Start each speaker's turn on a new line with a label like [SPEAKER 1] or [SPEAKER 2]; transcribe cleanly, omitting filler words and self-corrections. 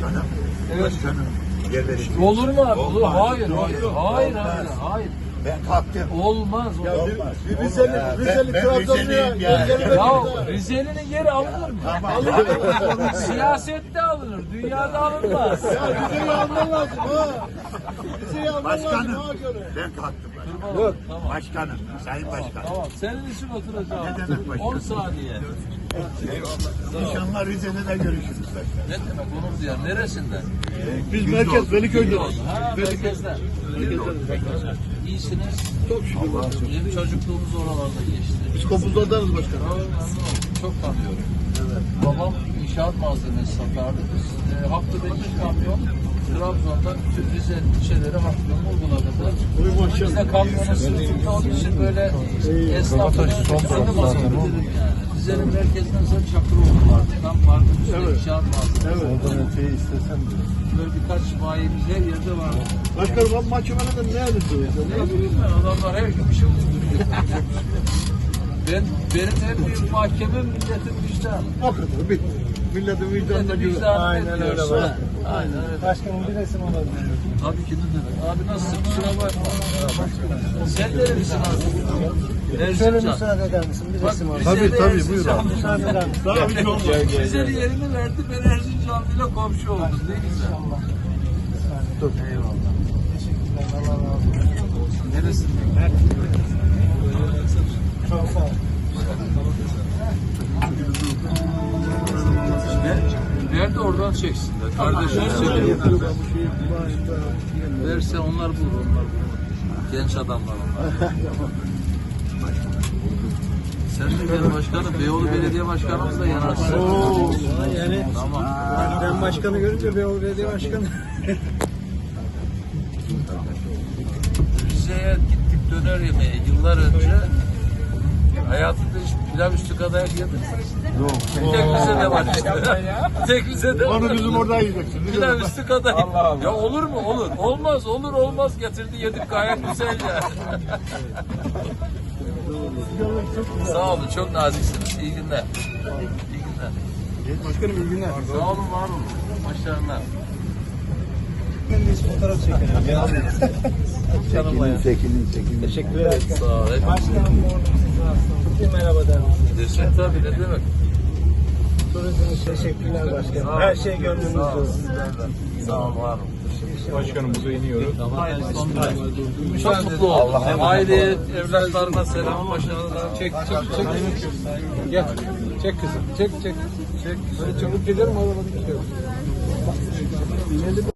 [SPEAKER 1] Başkanım.
[SPEAKER 2] Evet.
[SPEAKER 1] Başkanım. Yerleri.
[SPEAKER 2] Olur mu abi? Olur.
[SPEAKER 1] Olmaz.
[SPEAKER 2] Hayır, hayır, hayır, hayır, hayır.
[SPEAKER 1] Ben kalktım.
[SPEAKER 2] Olmaz.
[SPEAKER 3] Ya
[SPEAKER 2] Olmaz.
[SPEAKER 3] Rizeli
[SPEAKER 1] Ben
[SPEAKER 3] Trabzonlu'ya
[SPEAKER 1] Rizeliyim ya.
[SPEAKER 2] Ya Rize'nin yeri alınır mı? Alınır. Siyasette alınır, dünyada alınmaz.
[SPEAKER 3] Ya Rize'yi alman lazım ha. Rize'yi alman lazım
[SPEAKER 1] Başkanım.
[SPEAKER 3] ha göre.
[SPEAKER 1] Ben kalktım.
[SPEAKER 2] Yok. Tamam.
[SPEAKER 1] Başkanım. Sayın Başkanım.
[SPEAKER 2] Tamam. Senin için oturacağım.
[SPEAKER 1] Ne demek başkanım?
[SPEAKER 2] 10 saniye.
[SPEAKER 1] İnşallah Rize'de de görüşürüz başkanım.
[SPEAKER 2] Ne demek onur duyar? Neresinden?
[SPEAKER 3] Biz merkez Veliköy'de.
[SPEAKER 2] Ha, merkezden. İyisiniz.
[SPEAKER 3] Çok şükür.
[SPEAKER 2] Bizim çocukluğumuz oralarda geçti.
[SPEAKER 3] Biz kopuzlardanız başkanım.
[SPEAKER 2] Çok tanıyorum. Babam inşaat malzemesi satardı. Biz haftada 2 kamyon Trabzon'dan bütün Rize ilçeleri haftanın uyguladık. Biz de kamyona sırtında onun için böyle esnafın üstünde basıyorduk yani. Rize'nin merkezinden sonra Çakıroğlu vardı. Tam parkın üstünde inşaat malzemesi.
[SPEAKER 3] Evet.
[SPEAKER 4] Şey istesem de.
[SPEAKER 2] Böyle birkaç bayimiz her yerde vardı.
[SPEAKER 3] Başkanım abi mahkemelerde ne yapıyorsunuz?
[SPEAKER 2] Ne bileyim ben, adamlar her gün bir şey uyduruyor. Benim en büyük mahkemem milletin vicdanı.
[SPEAKER 3] O kadar bitti. Milletin vicdanına
[SPEAKER 2] Milletin
[SPEAKER 3] güven.
[SPEAKER 2] vicdanı
[SPEAKER 4] Aynen
[SPEAKER 2] ne
[SPEAKER 4] öyle
[SPEAKER 2] diyorsa.
[SPEAKER 4] var.
[SPEAKER 2] Aynen öyle.
[SPEAKER 4] Başkanım bir resim alabilir miyim?
[SPEAKER 2] Tabii ki ne demek. Abi nasılsın? Kusura bakma. Sen nerelisin abi?
[SPEAKER 4] Şöyle
[SPEAKER 2] Erzincan.
[SPEAKER 4] müsaade eder misin? Bir resim alabilir
[SPEAKER 3] Tabii,
[SPEAKER 2] Rize'de
[SPEAKER 3] tabii,
[SPEAKER 2] Erzincan.
[SPEAKER 3] buyur abi.
[SPEAKER 4] Müsaade eder misin?
[SPEAKER 3] Daha bir şey olmaz.
[SPEAKER 2] Rize'nin yerini verdi. Ben Erzincanlı'yla komşu oldum. Ne güzel. Eyvallah.
[SPEAKER 4] Teşekkürler. Allah razı olsun.
[SPEAKER 2] Neresinden?
[SPEAKER 4] Çok sağ ol.
[SPEAKER 2] Nerede oradan çeksinler. Kardeşim söyleyeyim. Verse onlar bulur, onlar bulur. Genç adamlar onlar. Sen de gel başkanım, Beyoğlu Belediye Başkanımız da yanarsın.
[SPEAKER 4] Yani
[SPEAKER 2] Tamam.
[SPEAKER 4] ben başkanı görünce Beyoğlu Belediye Başkanı.
[SPEAKER 2] Rize'ye gittik döner yemeye yıllar önce. Hayatımda hiç pilav üstü kadar yedim.
[SPEAKER 4] Yok.
[SPEAKER 2] Tek Rize'de var işte. Tek Rize'de var.
[SPEAKER 3] Onu bizim orada yiyeceksin.
[SPEAKER 2] Pilav üstü kadar. Ya olur mu? Olur. Olmaz, olur olmaz getirdi yedik gayet güzel yani. Sağ olun, çok naziksiniz. İyi günler. İyi günler.
[SPEAKER 3] Başkanım iyi günler.
[SPEAKER 2] Sağ olun, var olun. Başarılar.
[SPEAKER 4] Ben de fotoğraf çekelim. Canım bayağı.
[SPEAKER 1] Çekilin.
[SPEAKER 4] Teşekkür ederim.
[SPEAKER 2] Sağ ol.
[SPEAKER 4] Başkanım bir merhaba der misiniz?
[SPEAKER 2] Desin tabii, ne demek.
[SPEAKER 4] Turizm teşekkürler başkanım. Her şey gönlünüzce olsun.
[SPEAKER 2] Sağ ol, var olun.
[SPEAKER 3] Başkanımıza iniyoruz.
[SPEAKER 2] Çok mutlu oldum. Aile, evlatlarına selam, başarılar.
[SPEAKER 4] Çek. Gel. Çek kızım. Çek. Böyle çabuk giderim arabanı gidiyorum.